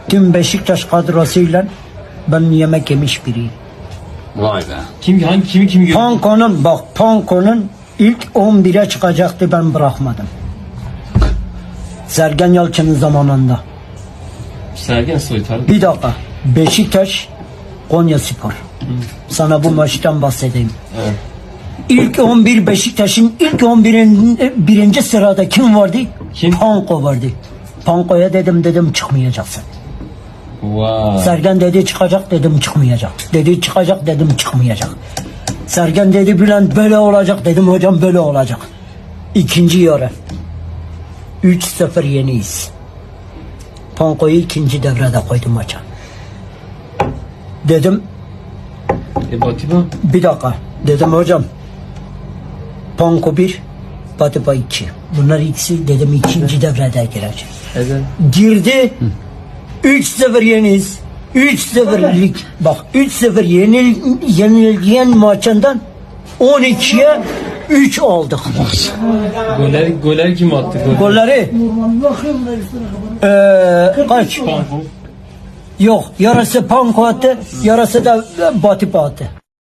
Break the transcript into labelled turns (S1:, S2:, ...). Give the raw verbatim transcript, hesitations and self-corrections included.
S1: tüm Beşiktaş kadrosuyla ben yemek yemiş biriyim.
S2: Vay be.
S3: Kim hangi kimi kimi gördün?
S1: Panko'nun bak Panko'nun ilk on bire çıkacaktı, ben bırakmadım. Sergen Yalçın'ın zamanında.
S3: Sergen Soytar.
S1: Bir dakika. Beşiktaş Konyaspor. Sana bu maçtan bahsedeyim.
S3: Evet.
S1: İlk on bir Beşiktaş'ın ilk on birin birinci sırada kim vardı?
S3: Kim?
S1: Panko vardı. Panko'ya dedim dedim çıkmayacaksın.
S3: Vay.
S1: Sergen dedi çıkacak, dedim çıkmayacak. Dedi çıkacak, dedim çıkmayacak. Sergen dedi Bülent böyle olacak, dedim hocam böyle olacak. İkinci yarı üç sıfır yeniyiz. Panko'yu ikinci devrede koydum maça. Dedim
S3: E Batiba.
S1: bir dakika, dedim hocam Panko bir, Batiba iki. Bunlar ikisi dedim ikinci devrede girecek.
S3: Evet.
S1: Girdi. üç sıfır yeniyiz. üç sıfırlık bak üç sıfır yenil, yenilgen maçından on ikiye üç aldık.
S3: Goller, goller kim attı? Goller.
S1: Golleri eee kaç?
S3: Panko.
S1: Yok, yarısı Panko attı, yarısı da Batiba attı.